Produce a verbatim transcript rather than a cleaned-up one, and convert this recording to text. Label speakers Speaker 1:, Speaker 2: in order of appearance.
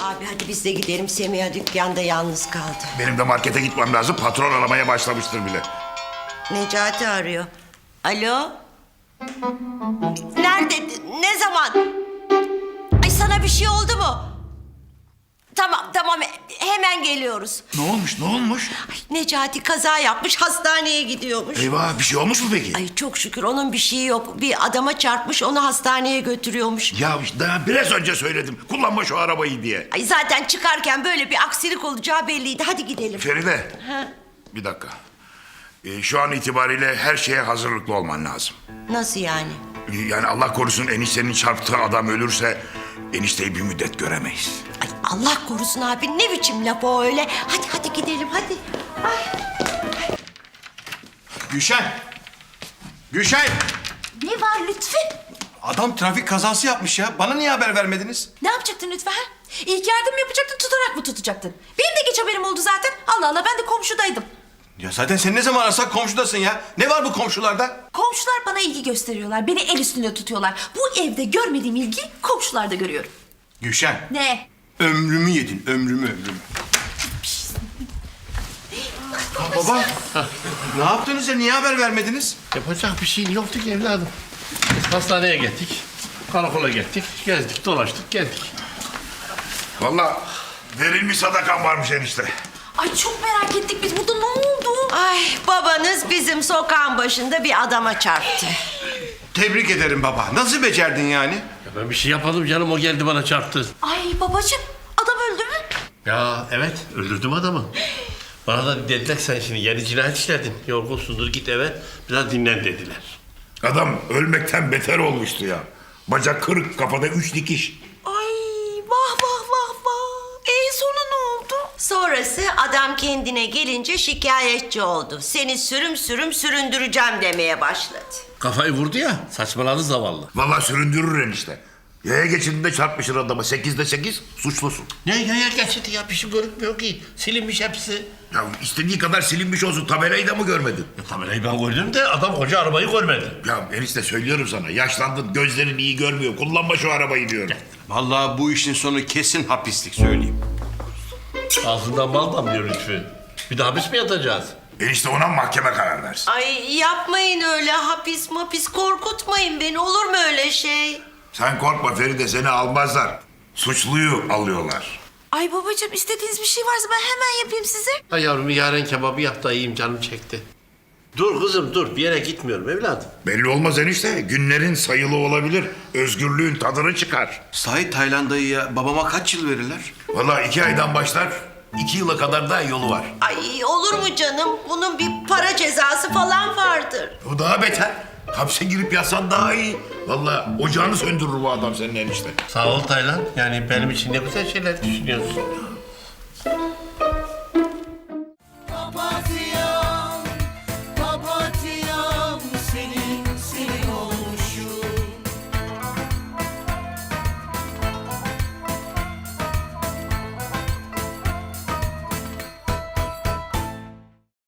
Speaker 1: Abi hadi biz de gidelim. Semiha dükkanda yalnız kaldı.
Speaker 2: Benim de markete gitmem lazım. Patron aramaya başlamıştır bile.
Speaker 1: Necati arıyor. Alo? Nerede? Ne zaman? Ay sana bir şey oldu mu? Tamam tamam hemen geliyoruz.
Speaker 2: Ne olmuş ne olmuş?
Speaker 1: Ay, Necati kaza yapmış hastaneye gidiyormuş.
Speaker 2: Eyvah bir şey olmuş mu peki?
Speaker 1: Ay çok şükür onun bir şeyi yok. Bir adama çarpmış onu hastaneye götürüyormuş.
Speaker 2: Ya işte daha biraz önce söyledim. Kullanma şu arabayı diye.
Speaker 1: Ay zaten çıkarken böyle bir aksilik olacağı belliydi. Hadi gidelim.
Speaker 2: Feride.
Speaker 1: Ha,
Speaker 2: Bir dakika. Ee, şu an itibariyle her şeye hazırlıklı olman lazım.
Speaker 1: nasıl yani?
Speaker 2: Ee, Yani Allah korusun eniştenin çarptığı adam ölürse enişteyi bir müddet göremeyiz.
Speaker 1: Ay Allah korusun abi ne biçim laf o öyle. Hadi hadi gidelim hadi. Ay.
Speaker 3: Gülşen! Gülşen!
Speaker 4: Ne var Lütfü?
Speaker 3: Adam trafik kazası yapmış ya. Bana niye haber vermediniz?
Speaker 4: Ne yapacaktın Lütfü ha? İlk yardım yapacaktın, tutarak mı tutacaktın? Benim de geç haberim oldu zaten. Allah Allah ben de komşudaydım.
Speaker 3: Ya zaten sen ne zaman arasak komşudasın ya. Ne var bu komşularda?
Speaker 4: Komşular bana ilgi gösteriyorlar. Beni el üstünde tutuyorlar. Bu evde görmediğim ilgi komşularda görüyorum.
Speaker 3: Gülşen!
Speaker 4: Ne?
Speaker 3: Ömrümü yedin, ömrümü, ömrümü. Ha, baba, ne yaptınız ya? Niye haber vermediniz?
Speaker 5: Yapacak bir şeyin yoktu ki evladım. Biz hastaneye gittik, karakola gittik, gezdik, dolaştık, geldik.
Speaker 2: Vallahi verilmiş sadakan varmış enişte.
Speaker 4: Ay çok merak ettik biz. Burada ne oldu?
Speaker 1: Ay babanız bizim sokağın başında bir adama çarptı.
Speaker 3: Tebrik ederim baba. Nasıl becerdin yani?
Speaker 5: Ya ben bir şey yapmadım canım, o geldi bana çarptı.
Speaker 4: Ay babacığım adam öldü mü?
Speaker 5: Ya evet, öldürdüm adamı. Bana da dediler sen şimdi yeni cinayet işledin. Yorgunsundur git eve, biraz dinlen dediler.
Speaker 2: Adam ölmekten beter olmuştu ya. Bacak kırık, kafada üç dikiş.
Speaker 4: Ay vah vah vah vah. E sonra ne oldu?
Speaker 1: Sonrası adam kendine gelince şikayetçi oldu. Seni sürüm sürüm süründüreceğim demeye başladı.
Speaker 5: Kafayı vurdu ya, saçmaladı zavallı.
Speaker 2: Vallahi süründürür enişte. Yaya geçidinde çarpmışır adama. Sekizde sekiz suçlusun.
Speaker 5: Ne ya ya geçti ya, bir şey görünmüyor ki. Silinmiş hepsi.
Speaker 2: Ya istediği kadar silinmiş olsun. Tabelayı da mı görmedin?
Speaker 5: Ya, tabelayı ben gördüm de adam koca arabayı görmedi.
Speaker 2: Ya enişte söylüyorum sana. Yaşlandın, gözlerin iyi görmüyor. Kullanma şu arabayı diyorum.
Speaker 3: Vallahi bu işin sonu kesin hapislik söyleyeyim.
Speaker 5: Ağzından bal damlıyor Lütfü. Bir de hapis mi yatacağız?
Speaker 2: Enişte ona mahkeme karar versin.
Speaker 1: Ay yapmayın öyle hapis mapis korkutmayın beni olur mu öyle şey?
Speaker 2: Sen korkma Feride, seni almazlar. Suçluyu alıyorlar.
Speaker 4: Ay babacığım istediğiniz bir şey varsa ben hemen yapayım size.
Speaker 5: Ay yavrum bir yaren kebabı yap da yiyeyim, canım çekti. Dur kızım dur, bir yere gitmiyorum evladım.
Speaker 2: Belli olmaz enişte. Günlerin sayılı olabilir. Özgürlüğün tadını çıkar.
Speaker 3: Sahi Taylan dayıya babama kaç yıl verirler?
Speaker 2: Vallahi iki aydan başlar. iki yıla kadar da yolu var.
Speaker 1: Ay olur mu canım? Bunun bir para cezası falan vardır.
Speaker 2: O daha beter. Hapse girip yatsan daha iyi. Vallahi ocağını söndürür bu adam senin enişte.
Speaker 5: Sağ ol Taylan. Yani benim için ne güzel şeyler düşünüyorsun.